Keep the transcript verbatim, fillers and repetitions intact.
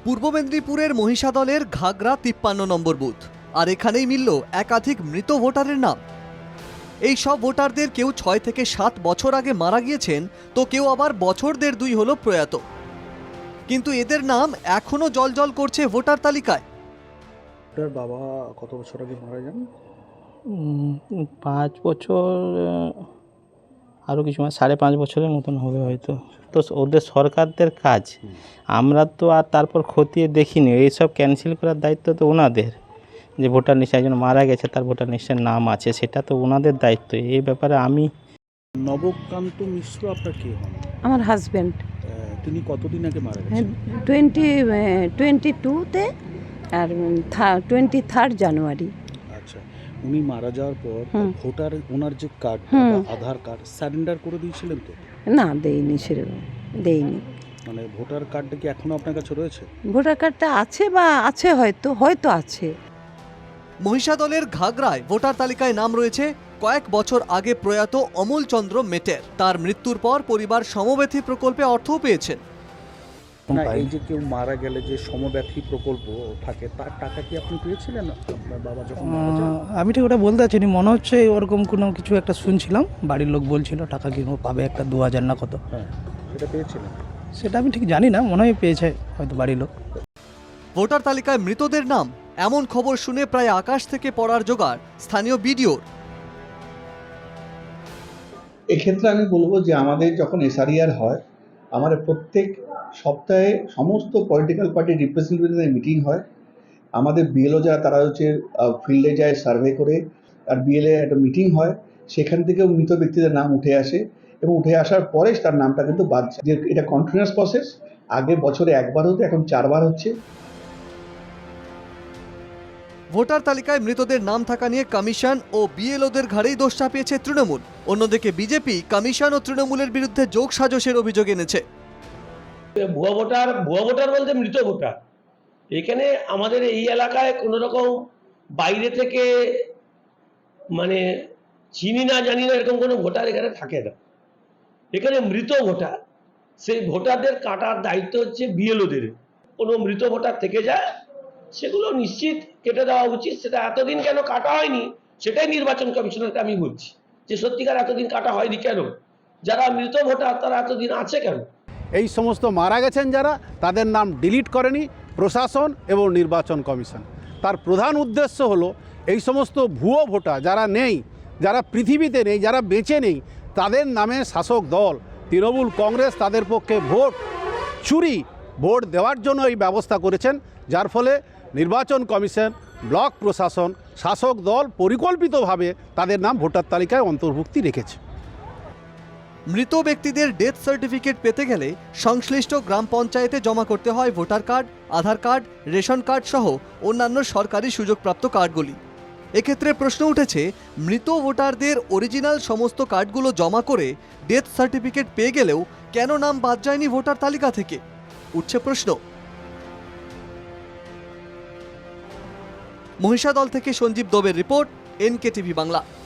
পূর্ব মেদিনীপুরের মহিষাদলের ঘাগড়া তিপ্পান্ন নম্বর বুথ, আর এখানেই মিলল একাধিক মৃত ভোটারের নাম। এই সব ভোটারদের কেউ ছয় থেকে সাত বছর আগে মারা গিয়েছেন, তো কেউ আবার বছর দেড় দুই হলো প্রয়াত, কিন্তু এদের নাম এখনো জলজল করছে ভোটার তালিকায়। আপনার বাবা কত বছর আগে মারা যান? পাঁচ বছর আরও কিছু মানে সাড়ে পাঁচ বছরের মতন হবে হয়তো। তো ওদের সরকারদের কাজ, আমরা তো আর তারপর খতিয়ে দেখিনি। এইসব ক্যান্সেল করার দায়িত্ব তো ওনাদের, যে ভোটার লিস্টে একজন মারা গেছে তার ভোটার লিস্টের নাম আছে, সেটা তো ওনাদের দায়িত্ব। এই ব্যাপারে আমি। নবকান্ত মিশ্র আপনার কে হন? আমার হাজব্যান্ড। তিনি কতদিন আগে মারা গেছেন? টোয়েন্টি টোয়েন্টি টুতে আর টোয়েন্টি থার্ড জানুয়ারি। আচ্ছা, উনি মারা যাওয়ার পর ভোটার ওনার যে কার্ড, আধার কার্ড সারেন্ডার করে দিয়েছিলেন তো? না, দেইনি, সেরকম দেইনি। মানে ভোটার কার্ডটা কি এখনো আপনার কাছে রয়েছে? ভোটার কার্ডটা আছে বা আছে, হয়তো হয়তো আছে। মহিষাদলের ঘাগড়ায় ভোটার তালিকায় নাম রয়েছে কয়েক বছর আগে প্রয়াত অমল চন্দ্র মেটের। তার মৃত্যুর পর পরিবার সমব্যথী প্রকল্পে অর্থও পেয়েছেন। না, এই যে কেউ মারা গেলে যে সমব্যথী প্রকল্প থাকে, তার টাকা কি আপনি পেয়েছিলেন আপনার বাবা যখন মারা যান? আমি ঠিক ওটা বলতে পারছি না, মনে হচ্ছে ওরকম কোনো কিছু একটা শুনছিলাম, বাড়ির লোক বলছিল টাকা কি পাবে একটা দু হাজার না কত। হ্যাঁ, সেটা পেয়েছিলেন? সেটা আমি ঠিক জানি না, মনে হয় পেয়েছে হয়তো বাড়ির লোক। ভোটার তালিকায় মৃতদের নাম এমন খবর শুনে প্রায় আকাশ থেকে পড়ার জোগাড় স্থানীয় বিডিওর। এক্ষেত্রে আমি বলবো যে আমাদের যখন এসআরইআর হয়, আমাদের প্রত্যেক সপ্তাহে সমস্ত পলিটিক্যাল পার্টির রিপ্রেজেন্টেটিভদের মিটিং হয়। আমাদের বিএলও যারা তারা হচ্ছে ফিল্ডে যায় সার্ভে করে, আর বিএলএ একটা মিটিং হয়, সেখান থেকেও মৃত ব্যক্তিদের নাম উঠে আসে এবং উঠে আসার পরে তার নামটা কিন্তু বাদ যায়। যে এটা কন্টিনিউয়াস প্রসেস, আগে বছরে একবার হতো, এখন চারবার হচ্ছে। ভোটার তালিকায় মৃতদের নাম থাকা নিয়ে কমিশন ও বিএলওদের ঘাড়েই দোষ চাপিয়েছে তৃণমূল। অন্যদিকে বিজেপি কমিশন ও তৃণমূলের বিরুদ্ধে যোগ সাজসের অভিযোগ এনেছে। ভুয়া ভোটার ভুয়া ভোটার বলতে মৃত ভোটার। এখানে আমাদের এই এলাকায় কোনো রকম বাইরে থেকে মানে চিনি না জানি না এরকম কোনো ভোটার এখানে থাকে না। এখানে মৃত ভোটার, সেই ভোটারদের কাটার দায়িত্ব হচ্ছে বিএলওদের। কোনো মৃত ভোটার থেকে যায় সেগুলো নিশ্চিত কেটে দেওয়া উচিত। সেটা এতদিন কেন কাটা হয়নি সেটাই নির্বাচন কমিশনারকে আমি বলছি, যে সত্যিকার এতদিন কাটা হয়নি কেন, যারা মৃত ভোটার তারা এতদিন আছে কেন। এই সমস্ত মারা গেছেন যারা, তাদের নাম ডিলিট করেনি প্রশাসন এবং নির্বাচন কমিশন। তার প্রধান উদ্দেশ্য হলো এই সমস্ত ভুয়ো ভোটার যারা নেই, যারা পৃথিবীতে নেই, যারা বেঁচে নেই, তাদের নামে শাসক দল তৃণমূল কংগ্রেস তাদের পক্ষে ভোট চুরি ভোট দেওয়ার জন্য এই ব্যবস্থা করেছেন, যার ফলে নির্বাচন কমিশন, ব্লক প্রশাসন, শাসক দল পরিকল্পিতভাবে তাদের নাম ভোটার তালিকায় অন্তর্ভুক্তি রেখেছে। মৃত ব্যক্তিদের ডেথ সার্টিফিকেট পেতে গেলে সংশ্লিষ্ট গ্রাম পঞ্চায়েতে জমা করতে হয় voter card, Aadhaar card, ration card সহ অন্যান্য সরকারি সুযোগপ্রাপ্ত কার্ডগুলি। এক্ষেত্রে প্রশ্ন উঠেছে, মৃত ভোটারদের অরিজিনাল সমস্ত কার্ডগুলো জমা করে ডেথ সার্টিফিকেট পেয়ে গেলেও কেন নাম বাদ যায়নি ভোটার তালিকা থেকে? উঠছে প্রশ্ন। মহিষাদল থেকে সঞ্জীব দোবের রিপোর্ট, এনকে টিভি বাংলা।